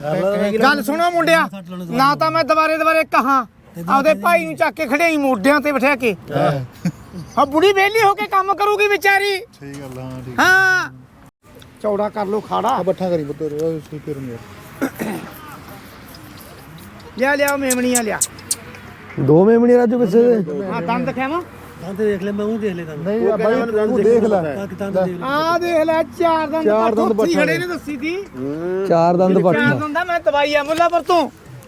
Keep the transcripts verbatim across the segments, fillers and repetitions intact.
ਗੱਲ ਸੁਣੋ ਮੁੰਡਿਆ, ਨਾ ਤਾਂ ਮੈਂ ਦੁਬਾਰੇ ਦੁਬਾਰੇ ਕਹਾਂ ਆਪਦੇ ਭਾਈ ਨੂੰ ਚੱਕ ਕੇ ਖੜਿਆਈ ਮੋਢਿਆਂ ਤੇ ਬਿਠਾ ਕੇ। ਹਾਂ ਬੁੜੀ ਵਿਹਲੀ ਹੋ ਕੇ ਕੰਮ ਕਰੂਗੀ ਵਿਚਾਰੀ। ਸਹੀ ਗੱਲ ਹਾਂ ਠੀਕ ਹਾਂ ਚੌੜਾ ਕਰ ਲੋ ਖਾੜਾ। ਬੱਠਾ ਕਰੀ ਪੁੱਤਰ ਸਹੀ ਕਰੂੰਗਾ। ਲਿਆ ਲਿਆ ਮੇਮਣੀਆਂ ਲਿਆ। ਦੋ ਮੇਮਣੀ ਰਾਜੂ ਕਿਸੇ ਦੇ। ਹਾਂ ਦੰਦ ਦਿਖਾਵਾਂ। ਦੰਦ ਦੇਖ ਲੈ, ਮੈਂ ਉਹ ਦੇਖ ਲੈ ਦੰਦ। ਨਹੀਂ ਬਾਈ ਤੂੰ ਦੇਖ ਲੈ ਆ ਦੇਖ ਲੈ ਚਾਰ ਦੰਦ ਚਾਰ ਦੰਦ ਪੱਠੀ ਖੜੇ ਨੇ ਦੱਸੀ ਸੀ। ਚਾਰ ਦੰਦ ਚਾਰ ਪੱਠਾ। ਦੰਦ ਦਾ ਮੈਂ ਦਵਾਈ ਆ ਮੁੱਲਾਪੁਰ ਤੋਂ।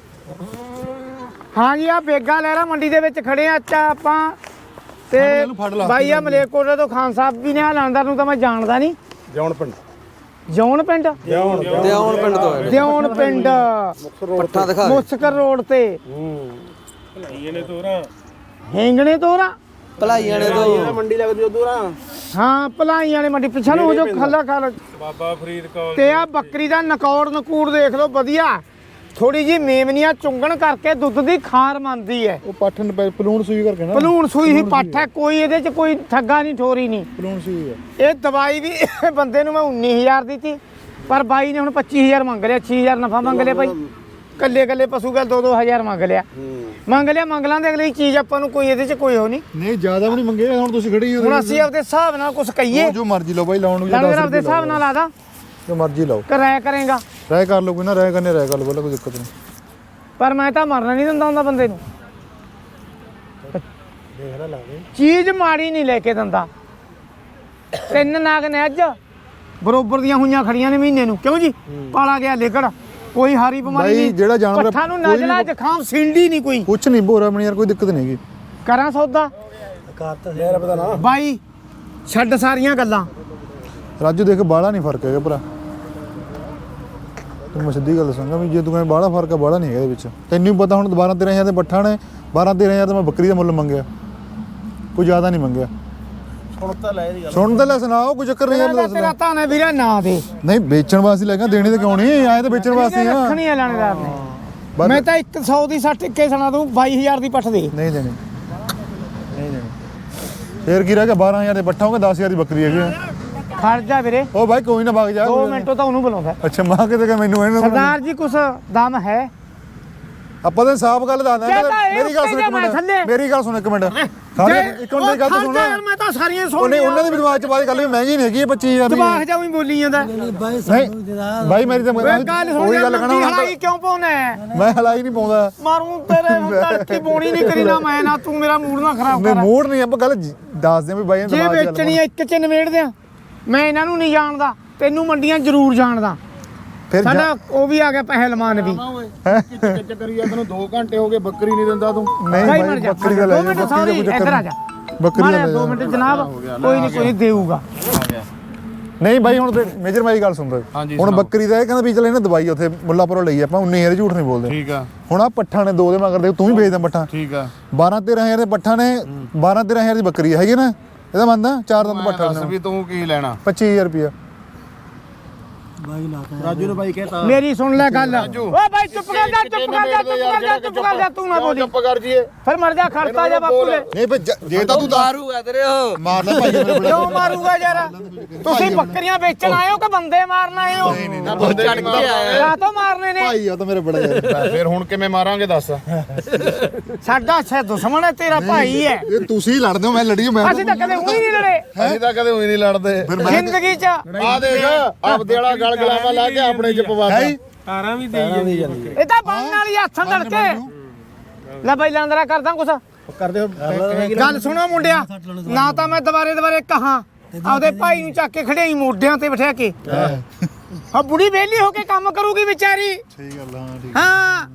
ਹਾਂ ਜੀ ਆ ਬੇਗਾ ਲਹਿਰਾ ਮੰਡੀ ਦੇ ਵਿੱਚ ਖੜੇ ਆ ਅੱਛਾ ਆਪਾਂ ਤੇ ਬਾਈ ਆ ਮਲੇਕੋਟੇ ਤੋਂ ਖਾਨ ਸਾਹਿਬ ਵੀ ਨੇ ਆ ਲਾਂਦਰ ਨੂੰ ਤਾਂ ਮੈਂ ਜਾਣਦਾ ਨਹੀਂ। ਜੌਨ ਪਿੰਡ ਜੌਨ ਪਿੰਡ ਦਿਉਣ ਪਿੰਡ ਤੋਂ ਹੈ। ਦਿਉਣ ਪਿੰਡ ਪੱਠਾ ਦਿਖਾ। ਮੁਸਕਰ ਰੋਡ ਤੇ। ਭਲਾਈਆਂ ਨੇ ਤੋਰਾ, ਹੈਂਗਣੇ ਤੋਰਾ ਭਲਾਈਆਂ ਨੇ ਤੋਂ ਮੰਡੀ ਲੱਗਦੀ ਉਧਰ। ਹਾਂ ਭਲਾਈਆਂ ਵਾਲੇ ਮੰਡੀ ਪਿੱਛੇ ਨੂੰ ਹੋ ਜੋ ਖੱਲਾ ਖਾ ਬਾਬਾ ਫਰੀਦ ਕੌਰ ਤੇ ਆ ਬੱਕਰੀ ਦਾ ਨਕੌੜ ਨਕੂੜ ਦੇਖ ਲਓ ਵਧੀਆ। ਥੋੜੀ ਜੀ ਮੇਮਨੀਆਂ ਚੁੰਗਣ ਕਰਕੇ ਦੁੱਧ ਦੀ ਖਾਰ ਮੰਨਦੀ ਹੈ। ਉਹ ਪੱਠ ਪਲੂਣ ਸੂਈ ਕਰਕੇ ਨਾ ਭਲੂਣ ਸੂਈ ਹੀ ਪੱਠ ਹੈ, ਕੋਈ ਇਹਦੇ ਚ ਕੋਈ ਠੱਗਾ ਨਹੀਂ ਠੋਰੀ ਨਹੀਂ। ਪਲੂਣ ਸੂਈ ਹੈ। ਇਹ ਦਵਾਈ ਵੀ ਬੰਦੇ ਨੂੰ ਮੈਂ ਉੱਨੀ ਹਜ਼ਾਰ ਦਿੱਤੀ ਪਰ ਬਾਈ ਨੇ ਹੁਣ ਪੱਚੀ ਹਜ਼ਾਰ ਮੰਗ ਲਿਆ। ਛੇ ਹਜ਼ਾਰ ਨਫਾ ਮੰਗ ਲਿਆ ਭਾਈ। ਕੱਲੇ ਕੱਲੇ ਪਸ਼ੂ ਗੱਲ ਦੋ ਦੋ ਹਜ਼ਾਰ ਮੰਗ ਲਿਆ। ਮੰਗ ਲਿਆ ਮੰਗ ਲਾਂਦੇ ਅਗਲੀ ਚੀਜ਼ ਆਪਾਂ ਨੂੰ ਕੋਈ ਇਹਦੇ ਚ ਕੋਈ ਹੋ ਨਹੀਂ। ਨਹੀਂ ਜ਼ਿਆਦਾ ਵੀ ਨਹੀਂ ਮੰਗੇ ਹੁਣ ਤੁਸੀਂ ਖੜੀ ਹੋ। ਹੁਣ ਅਸੀਂ ਆਪਦੇ ਹਿਸਾਬ ਨਾਲ ਕੁਝ ਕਹੀਏ। ਜੋ ਮਰਜ਼ੀ ਲਓ ਬਾਈ ਲਾਉਣ ਨੂੰ ਲੰਗਰ ਆਪਦੇ ਹਿਸਾਬ ਨਾਲ ਆਦਾ ਜੋ ਮਰਜ਼ੀ ਲਾਓ। ਕਰਾਇਆ ਕਰੇਗਾ ਰਾਇ ਕਰ ਲਓ ਕੋਈ ਨਾ ਰਾਇ ਕਰਨੇ ਰਾਇ ਕਰ ਲਓ ਕੋਈ ਦਿੱਕਤ ਨਹੀਂ। ਪਰ ਮੈਂ ਤਾਂ ਮਰਨਾ ਨਹੀਂ ਦਿੰਦਾ ਹੁੰਦਾ ਬੰਦੇ ਨੂੰ। ਚੀਜ਼ ਮਾੜੀ ਨਹੀਂ ਲੈ ਕੇ ਦਿੰਦਾ। ਤਿੰਨ ਨਾਗ ਨੇ ਅੱਜ ਬਰੋਬਰ ਦੀਆਂ ਹੋਈਆਂ ਖੜੀਆਂ ਨੇ ਮਹੀਨੇ ਨੂੰ ਕਿਉਂ ਜੀ ਪਾਲਾ ਗਿਆ ਲੇਕੜ ਕੋਈ ਹਾਰੀ ਬਿਮਾਰੀ ਬਾਈ ਨਹੀਂ। ਜਿਹੜਾ ਜਾਨਵਰ ਪੱਠਾ ਨੂੰ ਨਜ਼ਲਾ ਜ਼ੁਕਾਮ ਸਿੰਡੀ ਨਹੀਂ ਕੋਈ। ਕੁਛ ਨਹੀਂ ਭੋਰਾ ਬਣੀ ਯਾਰ ਕੋਈ ਦਿੱਕਤ ਨਹੀਂ ਹੈਗੀ। ਕਰਾਂ ਸੌਦਾ ਕਾਰ ਤਾਂ ਯਾਰ ਪਤਾ ਨਾ। ਬਾਈ ਛੱਡ ਸਾਰੀਆਂ ਗੱਲਾਂ। ਰਾਜੂ ਦੇਖ ਬਾਹਲਾ ਨਹੀਂ ਫਰਕ ਹੈਗਾ ਭਰਾ। ਤੂੰ ਮੈਂ ਸਿੱਧੀ ਗੱਲ ਦੱਸਾਂਗਾ ਵੀ ਜੇ ਤੂੰ ਕਹਿੰਦਾ ਬਾਹਲਾ ਫਰਕ ਆ ਬਾਹਲਾ ਨਹੀਂ ਹੈਗਾ ਇਹਦੇ ਵਿੱਚ। ਤੈਨੂੰ ਪਤਾ ਹੁਣ ਬਾਰਾਂ ਤੇਰਾਂ ਹਜ਼ਾਰ ਦੇ ਪੱਠਾ ਨੇ ਬਾਰਾਂ ਤੇਰਾਂ ਹਜ਼ਾਰ ਦਾ ਮੈਂ ਬੱਕਰੀ ਦਾ ਮੁੱਲ ਮੰਗਿਆ। ਕੋਈ ਜ਼ਿਆਦਾ ਨਹੀਂ ਮੰਗਿਆ। ਸੁਣ ਤਾਂ ਲੈ ਇਹਦੀ ਗੱਲ। ਸੁਣ ਤਾਂ ਲੈ ਸੁਣਾਓ ਕੋਈ ਚੱਕਰ ਨਹੀਂ ਯਾਰ। ਤੇਰਾ ਤਾਂ ਨੇ ਵੀਰੇ ਨਾ ਦੇ ਨਹੀਂ ਵੇਚਣ ਵਾਸਤੇ ਲੈ ਕੇ ਦੇਣੇ ਤੇ ਕਿਉਂ ਨਹੀਂ ਆਏ ਤਾਂ ਵੇਚਣ ਵਾਸਤੇ ਆ। ਰੱਖਣੀ ਆ ਲਾਣੇਦਾਰ ਨੇ। ਬਸ। ਮੈਂ ਤਾਂ ਇੱਕ ਸੌ ਦੀ ਸੱਠ ਇੱਕੇ ਸੁਣਾ ਦੂੰ ਬਾਈ ਹਜ਼ਾਰ ਦੀ ਪੱਠ ਦੇ। ਨਹੀਂ ਦੇਣੀ ਨਹੀਂ ਦੇਣੀ। ਫੇਰ ਕੀ ਰਹਿ ਗਿਆ ਬਾਰਾਂ ਹਜ਼ਾਰ ਦੇ ਪੱਠਾ ਹੋਗਾ ਦਸ ਹਜ਼ਾਰ ਦੀ ਬੱਕਰੀ ਹੈਗੀ। ਖੜ ਜਾ ਵੀਰੇ ਉਹ ਭਾਈ ਕੋਈ ਨਾ ਵਗ ਜਾ। ਦੋ ਮਿੰਟੋਂ ਤਾਂ ਉਹਨੂੰ ਬੁਲਾਉਂਦਾ। ਅੱਛਾ ਮਾਂ ਕਿਤੇ ਕਿ ਮੈਨੂੰ ਇਹਨੂੰ ਸਰਦਾਰ ਜੀ ਕੁਛ ਦਮ ਹੈ। ਆਪਾਂ ਤਾਂ ਸਾਫ਼ ਗੱਲ ਦੱਸਦੇ ਜੇ ਤਾਂ ਆ। ਇਹ ਮੇਰੀ ਗੱਲ ਸੁਣ ਇੱਕ ਉੱਤੇ ਜਾ ਮਿੰਟ ਥੱਲੇ। ਮੇਰੀ ਗੱਲ ਸੁਣ ਇੱਕ ਮਿੰਟ ਸਾਰੇ ਇੱਕ ਮਿੰਟ ਦੀ ਗੱਲ ਤਾਂ ਸੁਣ। ਮੈਂ ਤਾਂ ਸਾਰੀਆਂ ਸੁਣ ਉਹਨੇ ਉਹਨਾਂ ਦੇ ਵੀ ਦਿਮਾਗ ਚ ਬਾਅਦ ਗੱਲ ਵੀ ਮਹਿੰਗੀ ਨਹੀਂ ਹੈਗੀ ਪੱਚੀ ਹਜ਼ਾਰ ਦੀ। ਜਵਾਖ ਜਾ ਵੀ ਬੋਲੀ ਜਾਂਦਾ। ਬਾਈ ਨਹੀਂ ਭਾਈ ਮੇਰੀ ਤਾਂ ਓਏ ਗੱਲ ਸੁਣ ਉਹੀ ਗੱਲ ਗੱਲ ਕਹਣਾ ਹਲਾਈ ਕਿਉਂ ਪਾਉਣਾ ਹੈ? ਮੈਂ ਹਲਾਈ ਨਹੀਂ ਪਾਉਂਦਾ। ਮਾਰੂ ਤੇਰੇ ਹੁਣ ਤੜਕੀ ਬੋਣੀ ਨਹੀਂ ਕਰੀ ਨਾ ਮੈਂ ਨਾ ਤੂੰ ਮੇਰਾ ਮੂਡ ਨਾ ਖਰਾਬ ਮੈਂ ਕਰ। ਮੂਡ ਨਹੀਂ ਆਪਾਂ ਗੱਲ ਦੱਸਦੇ ਆ ਵੀ ਬਾਈ ਨੇ ਜੇ ਦਿਮਾਗ ਚ ਵੇਚਣੀ ਆ ਇੱਕ ਚ ਨਿਬੇੜਦੇ ਆ। ਮੈਂ ਇਹਨਾਂ ਨੂੰ ਨਹੀਂ ਜਾਣਦਾ ਤੈਨੂੰ ਮੰਡੀਆਂ ਜ਼ਰੂਰ ਜਾਣਦਾ। ਫਿਰ ਸਾਡਾ ਉਹ ਵੀ ਆ ਗਿਆ ਪਹਿਲਵਾਨ ਵੀ। ਕਿੱਚ ਕਰੀ ਜਾ ਤੈਨੂੰ ਦੋ ਘੰਟੇ ਹੋ ਗਏ ਬੱਕਰੀ ਨਹੀਂ ਦਿੰਦਾ ਤੂੰ। ਨਹੀਂ ਭਾਈ ਭਾਈ ਮਰ ਜਾ ਬੱਕਰੀ ਦਾ ਲੈ ਦੋ ਮਿੰਟ ਸੌਰੀ ਇੱਧਰ ਆ ਜਾ। ਬੱਕਰੀ ਦਾ ਦੋ ਮਿੰਟ ਜਨਾਬ ਕੋਈ ਨਹੀਂ ਕੋਈ ਦੇਊਗਾ। ਨਹੀਂ ਬਾਈ ਹੁਣ ਤੇ ਮੇਜਰ ਮਾਈ ਗੱਲ ਸੁਣ ਰਹੇ ਹੁਣ ਬੱਕਰੀ ਦਾ ਇਹ ਕਹਿੰਦਾ ਵੀ ਚੱਲ ਇਹਨੇ ਦਵਾਈ ਉੱਥੇ ਮੁੱਲਾਪੁਰੋਂ ਲਈ ਆਪਾਂ ਉਨੀ ਹਜ਼ਾਰ ਝੂਠ ਨਹੀਂ ਬੋਲਦੇ। ਠੀਕ ਆ। ਹੁਣ ਆ ਪੱਠਾ ਨੇ ਦੋ ਦੇ ਮਗਰ ਦੇ ਤੂੰ ਵੀ ਵੇਚਦਾ ਪੱਠਾ। ਠੀਕ ਆ। ਬਾਰਾਂ ਤੇਰਾਂ ਹਜ਼ਾਰ ਦੇ ਪੱਠਾ ਨੇ ਬਾਰਾਂ ਤੇਰਾਂ ਹਜ਼ਾਰ ਦੀ ਬੱਕਰੀ ਹੈਗੀ ਨਾ ਇਹਦਾ ਮੰਨਦਾ ਚਾਰ ਦੰਦ ਪੱਠਾ ਦੱਸ ਵੀ ਤੂੰ ਕੀ ਲੈਣਾ। ਪੱਚੀ ਹਜ਼ਾਰ ਰੁਪਇਆ। ਬਾਈ ਲਾਤਾ ਰਾਜੂ ਨੇ ਬਾਈ ਕਹਿਤਾ। ਮੇਰੀ ਸੁਣ ਲੈ ਗੱਲ। ਓ ਭਾਈ ਚੁੱਪ ਕਰ ਜਾ ਚੁੱਪ ਕਰ ਜਾ ਚੁੱਪ ਕਰ ਜਾ ਚੁੱਪ ਕਰ ਜਾ ਤੂੰ ਨਾ ਬੋਲੀ। ਚੁੱਪ ਕਰ ਜੀਏ ਫਿਰ ਮਰ ਜਾ ਖੜਤਾ ਜਾ ਬਾਪੂ ਦੇ। ਨਹੀਂ ਭਈ ਜੇ ਤਾਂ ਤੂੰ ਮਾਰੂਗਾ ਤੇਰੇ ਉਹ। ਮਾਰਦਾ ਭਾਈ ਮੇਰੇ ਬੜੇ ਕਿਉਂ ਮਾਰੂਗਾ ਯਾਰ? ਤੁਸੀਂ ਬੱਕਰੀਆਂ ਵੇਚਣ ਆਏ ਹੋ ਕਿ ਬੰਦੇ ਮਾਰਨ ਆਏ ਹੋ? ਚੜ ਕੇ ਆਇਆ। ਕਾਹ ਤੋਂ ਮਾਰਨੇ ਨੇ? ਭਾਈ ਆ ਤਾਂ ਮੇਰੇ ਬੜਾ ਯਾਰ। ਫਿਰ ਹੁਣ ਕਿਵੇਂ ਮਾਰਾਂਗੇ ਦੱਸ। ਸਾਡਾ ਅੱਛਾ ਦੁਸ਼ਮਣ ਹੈ ਤੇਰਾ ਭਾਈ ਹੈ। ਇਹ ਤੁਸੀਂ ਲੜਦੇ ਹੋ ਮੈਂ ਲੜੀ ਮੈਂ ਅਸੀਂ ਤਾਂ ਕਦੇ ਉਹੀ ਨਹੀਂ ਲੜੇ ਅਸੀਂ ਤਾਂ ਕਦੇ ਹੋਈ ਨਹੀਂ ਲੜਦੇ। ਜ਼ਿੰਦਗੀ 'ਚ। ਆ ਦੇਖ ਆਪਦੇ ਵਾਲਾ ਗਲ ਗਲਾਵਾ ਲਾ ਕੇ ਆਪਣੇ ਚ ਪਵਾਤਾ। ਤਾਰਾਂ ਵੀ ਦੇਈ ਜਾਂਦੀ। ਇਹ ਤਾਂ ਬੰਨ ਵਾਲੀ ਹੱਥਾਂ ਧੜਕੇ ਲੈ ਬਈ ਲਾਂਦਰਾ ਕਰਦਾ ਕੁਛ ਕਰਦੇ ਹੋ ਗੱਲ ਸੁਣੋ ਮੁੰਡਿਆ, ਨਾ ਤਾਂ ਮੈਂ ਦੁਬਾਰੇ ਦੁਬਾਰੇ ਕਹਾਂ ਆਪਦੇ ਭਾਈ ਨੂੰ ਚੱਕ ਕੇ ਖੜਿਆਈ ਮੋਢਿਆਂ ਤੇ ਬਿਠਾ ਕੇ। ਹਾਂ ਬੁੜੀ ਵਿਹਲੀ ਹੋ ਕੇ ਕੰਮ ਕਰੂਗੀ ਵਿਚਾਰੀ। ਸਹੀ ਗੱਲ ਹਾਂ ਠੀਕ। ਹਾਂ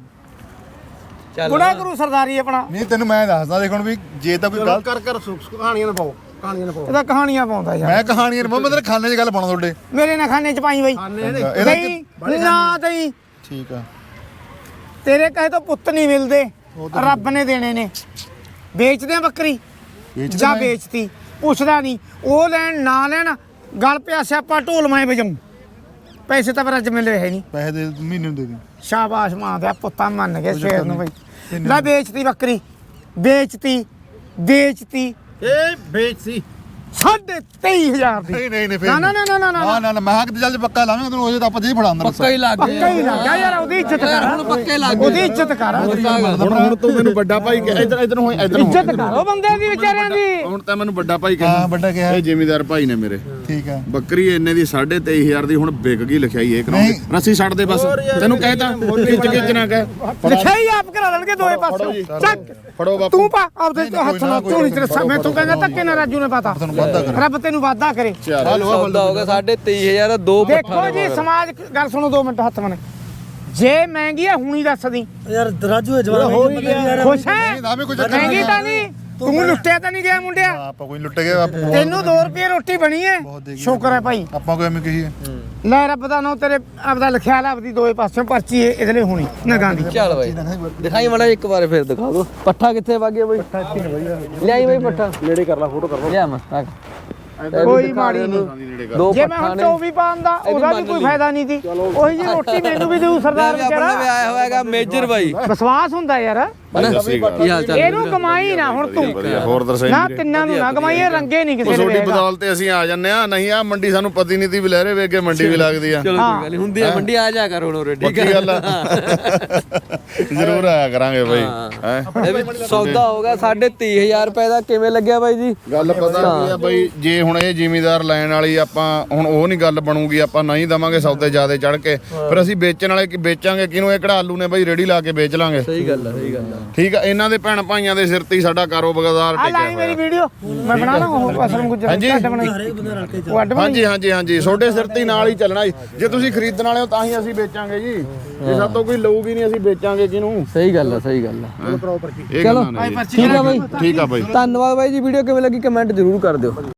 ਬੁੜਾ ਕਰੂ ਸਰਦਾਰੀ ਆਪਣਾ। ਨਹੀਂ ਤੈਨੂੰ ਮੈਂ ਦੱਸਦਾ ਦੇਖ ਹੁਣ ਵੀ ਜੇ ਤਾਂ ਕੋਈ ਗੱਲ ਕਰ ਕਰ ਕਹਾਣੀਆਂ ਨਾ ਪਾਓ ਕਹਾਣੀਆਂ ਨਾ ਪਾਓ। ਇਹਦਾ ਕਹਾਣੀਆਂ ਪਾਉਂਦਾ ਯਾਰ। ਮੈਂ ਕਹਾਣੀਆਂ ਨੂੰ ਮੈਂ ਤੇਰੇ ਖਾਨੇ 'ਚ ਗੱਲ ਪਾਉਣਾ ਤੁਹਾਡੇ। ਮੇਰੇ ਨਾ ਖਾਨੇ 'ਚ ਪਾਈ ਬਈ ਇਹਦਾ ਨਹੀਂ ਨਾ ਦਈ। ਠੀਕ ਆ। ਤੇਰੇ ਕਹੇ ਤੋਂ ਪੁੱਤ ਨਹੀਂ ਮਿਲਦੇ ਰੱਬ ਨੇ ਦੇਣੇ ਨੇ। ਵੇਚਦੇ ਆ ਬੱਕਰੀ ਜਾਂ ਵੇਚਤੀ ਪੁੱਛਦਾ ਨਹੀਂ। ਉਹ ਲੈਣ ਨਾ ਲੈਣ ਗਲ ਪਿਆ ਸਿਆਪਾ ਢੋਲ ਮੈਂ ਵਜਾਉਂ। ਪੈਸੇ ਤਾਂ ਪਰ ਅੱਜ ਮਿਲੇ ਹੈ ਨਹੀਂ। ਪੈਸੇ ਦੇ ਮਹੀਨੇ ਨੂੰ ਦੇ ਦੇ। ਸ਼ਾਬਾਸ਼ ਮਾਂ ਦਾ ਪੁੱਤਾਂ ਮੰਨ ਗਏ ਸ਼ੇਰ ਨੂੰ ਬਈ। ਲੈ ਵੇਚਤੀ ਬੱਕਰੀ ਵੇਚਤੀ ਵੇਚਤੀ ਇਹ ਵੇਚ ਸੀ ਸਾਢੇ ਤੇਈ ਹਜ਼ਾਰ ਦੀ ਨਹੀਂ ਨਹੀਂ ਨਹੀਂ ਫਿਰ ਨਾ ਨਾ ਨਾ ਨਾ ਨਾ ਨਾ ਨਾ ਨਾ ਮੈਂ ਕਿਤੇ ਚੱਲ ਪੱਕਾ ਲਾਵਾਂਗਾ ਤੈਨੂੰ ਉਹਦੇ ਤਾਂ ਆਪਾਂ ਜੀ ਫੜਾ ਅੰਦਰ ਪੱਕਾ ਹੀ ਲੱਗ ਗਿਆ ਪੱਕਾ ਹੀ ਲੱਗ ਗਿਆ ਯਾਰ ਉਹਦੀ ਇੱਜ਼ਤ ਕਰ ਹੁਣ ਪੱਕੇ ਲੱਗ ਗਏ ਉਹਦੀ ਇੱਜ਼ਤ ਕਰ ਹੁਣ ਹੁਣ ਤੂੰ ਮੈਨੂੰ ਵੱਡਾ ਭਾਈ ਕਹਿ ਇਧਰ ਇਧਰ ਹੋ ਇਧਰ ਹੋ ਇੱਜ਼ਤ ਕਰ ਉਹ ਬੰਦੇ ਦੀ ਵਿਚਾਰਿਆਂ ਦੀ ਹੁਣ ਤਾਂ ਮੈਨੂੰ ਵੱਡਾ ਭਾਈ ਹਾਂ ਕਹਿ ਵੱਡਾ ਕਿਹਾ ਇਹ ਜ਼ਿਮੀਦਾਰ ਭਾਈ ਨੇ ਮੇਰੇ ਠੀਕ ਹੈ ਬੱਕਰੀ ਇੰਨੇ ਦੀ ਸਾਢੇ ਤੇਈ ਹਜ਼ਾਰ ਦੀ ਹੁਣ ਵਿਕ ਗਈ ਲਿਖਾਈ ਇਹ ਕਰਾਉਂਦੇ ਰੱਸੀ ਛੱਡ ਦੇ ਬਸ ਤੈਨੂੰ ਕਹਿਤਾ ਖਿੱਚ ਖਿੱਚ ਨਾ ਕਹਿ ਲਿਖਿਆ ਹੀ ਆਪ ਕਰਾ ਲੈਣਗੇ ਦੋਏ ਪਾਸੋਂ ਚੱਕ ਫੜੋ ਬਾਪੂ ਤੂੰ ਪਾ ਆਪਦੇ ਹੱਥ ਨਾਲ ਝੋਲੀ ਤੇ ਰੱਸਾ ਮੈਂ ਤੂੰ ਕਹਿੰਦਾ ਧੱਕੇ ਨਾਲ ਰਾਜੂ ਨੇ ਪਾਤਾ ਰੱਬ ਤੈਨੂੰ ਵਾਅਦਾ ਕਰੇ ਸੌਦਾ ਹੋ ਗਿਆ ਸਾਢੇ ਤੇਈ ਹਜ਼ਾਰ ਦੋ ਦੇਖੋ ਜੀ ਸਮਾਜ ਗੱਲ ਸੁਣੋ ਦੋ ਮਿੰਟ ਹੱਥ ਮਨੇ ਜੇ ਮਹਿੰਗੀ ਹੈ ਹੁਣੀ ਦੱਸਦੀ ਯਾਰ ਰਾਜੂ ਜਵਾਨ ਹੋ ਹੀ ਗਿਆ ਯਾਰ ਖੁਸ਼ ਹੈ ਆਵੇਂ ਕੁਝ ਮਹਿੰਗੀ ਤਾਂ ਨਹੀਂ ਤੂੰ ਲੁੱਟਿਆ ਤਾਂ ਨਹੀਂ ਗਿਆ ਮੁੰਡਿਆ ਆਪਾਂ ਕੋਈ ਲੁੱਟ ਗਏ ਆਪਾਂ ਤੈਨੂੰ ਦੋ ਰੁਪਏ ਰੋਟੀ ਬਣੀ ਹੈ ਸ਼ੁਕਰ ਹੈ ਭਾਈ ਆਪਾਂ ਕੋਈ ਐਵੇਂ ਕਹੀਏ ਲੈ ਰੱਬ ਦਾ ਨਾਮ ਤੇਰੇ ਆਪਦਾ ਲਿਖਿਆ ਲੈ ਆਪਦੀ ਦੋਏ ਪਾਸਿਓਂ ਪਰਚੀ ਇਹ ਇਹਦੇ ਲਈ ਹੋਣੀ ਨਗਾਂ ਦੀ ਚੱਲ ਬਾਈ ਦਿਖਾਈ ਮੜਾ ਇੱਕ ਵਾਰ ਫਿਰ ਦਿਖਾ ਦੋ ਪੱਠਾ ਕਿੱਥੇ ਵਗ ਗਿਆ ਬਾਈ ਲਿਆਈ ਬਾਈ ਪੱਠਾ ਨੇੜੇ ਕਰ ਲੈ ਫੋਟੋ ਕਰ ਲਿਆ ਮੈਂ ਕੋਈ ਮਾੜੀ ਨਹੀਂ ਦੋ ਜੇ ਮੈਂ ਹੁਣ ਚੌਵੀਂ ਪਾਉਂਦਾ ਉਹਦਾ ਵੀ ਕੋਈ ਫਾਇਦਾ ਨਹੀਂ ਸੀ ਉਹੀ ਜੀ ਰੋਟੀ ਮੈਨੂੰ ਵੀ ਦੇਊ ਸਰਦਾਰ ਆਪਣੇ ਵੀ ਵਿਚਾਰਾ ਆਇਆ ਹੋਇਆਗਾ ਮੇਜਰ ਬਾਈ ਵਿਸ਼ਵਾਸ ਹੁੰਦਾ ਯਾਰ ਕੀ ਹਾਲ ਚਾਲ ਇਹਨੂੰ ਕਮਾਈ ਨਾ ਹੁਣ ਤੂੰ ਵਧੀਆ ਹੋਰ ਦਰਸਾਈ ਨਾ ਤਿੰਨਾਂ ਨੂੰ ਨਾ ਕਮਾਈ ਇਹ ਰੰਗੇ ਨਹੀਂ ਕਿਸੇ ਦੇ ਛੋਟੀ ਵੇਗਾ। ਬਦੌਲਤ ਤੇ ਅਸੀਂ ਆ ਜੰਨੇ ਆ ਨਹੀਂ ਆ ਮੰਡੀ ਸਾਨੂੰ ਪਤੀ ਨਹੀਂ ਤੀ ਵੀ ਲਹਿਰੇ ਵੇਖ ਕੇ ਮੰਡੀ ਵੀ ਲੱਗਦੀ ਆ ਚਲੋ ਕੋਈ ਗੱਲ ਨੀ, ਹੁੰਦੀ ਆ ਮੰਡੀ ਆ ਜਾ ਕਰ ਹੁਣ ਉਰੇ ਠੀਕ ਪੱਕੀ ਹੈ ਗੱਲ ਆ ਜ਼ਰੂਰ ਆਇਆ ਕਰਾਂਗੇ ਬਾਈ ਹੈ ਇਹ ਵੀ ਸੌਦਾ ਹੋਗਾ ਸਾਢੇ ਤੇਈ ਹਜ਼ਾਰ ਰੁਪਏ ਦਾ ਕਿਵੇਂ ਲੱਗਿਆ ਬਾਈ ਜੀ ਗੱਲ ਪਤਾ ਕੀ ਆ ਬਾਈ ਜੇ ਹੁਣ ਇਹ ਜ਼ਿਮੀਦਾਰ ਲੈਣ ਵਾਲੀ ਆਪਾਂ ਹੁਣ ਉਹ ਨਹੀਂ ਗੱਲ ਬਣੂਗੀ ਆਪਾਂ ਨਹੀਂ ਦਵਾਂਗੇ ਸੌਦੇ ਜ਼ਿਆਦੇ ਚੜ ਕੇ ਫਿਰ ਅਸੀਂ ਵੇਚਣ ਵਾਲੇ ਕੀ ਵੇਚਾਂਗੇ ਕਿਹਨੂੰ ਇਹ ਕਢਾਲੂ ਨੇ ਬਾਈ ਰੇੜੀ ਲਾ ਕੇ ਵੇਚ ਲਾਂਗੇ ਸਹੀ ਗੱਲ ਆ ਸਹੀ ਗੱਲ ਆ ਠੀਕ ਆ ਇਹਨਾਂ ਦੇ ਭੈਣ ਭਾਈਆਂ ਦੇ ਸਿਰ ਤੇ ਹੀ ਸਾਡਾ ਕਾਰੋਬਾਰ ਆ ਲਾਈ ਮੇਰੀ ਵੀਡੀਓ ਮੈਂ ਬਣਾਣਾ ਉਹ ਅਸਲਮ ਗੁੱਜਰ ਹਾਂਜੀ। ਅੱਡ ਬਣਾਈ ਉਹ ਅੱਡ ਬਣਾਈ ਹਾਂਜੀ ਹਾਂਜੀ ਹਾਂਜੀ ਛੋਟੇ ਸਿਰ ਤੇ ਹੀ ਨਾਲ ਹੀ ਚੱਲਣਾ ਜੀ ਜੇ ਤੁਸੀਂ ਖਰੀਦਣ ਵਾਲੇ ਹੋ ਤਾਂ ਹੀ ਅਸੀਂ ਵੇਚਾਂਗੇ ਜੀ ਜੇ ਸਾਤੋਂ ਕੋਈ ਲਊਗੀ ਨਹੀਂ ਅਸੀਂ ਵੇਚਾਂਗੇ ਕਿਹਨੂੰ ਸਹੀ ਗੱਲ ਆ ਸਹੀ ਗੱਲ ਆ ਇਹ ਚਲੋ ਗੱਲਾਂ ਨੇ ਜੀ। ਠੀਕ ਆ ਬਾਈ ਠੀਕ ਆ ਬਾਈ ਧੰਨਵਾਦ ਬਾਈ ਜੀ ਵੀਡੀਓ ਕਿਵੇਂ ਲੱਗੀ ਕਮੈਂਟ ਜ਼ਰੂਰ ਕਰ ਦਿਓ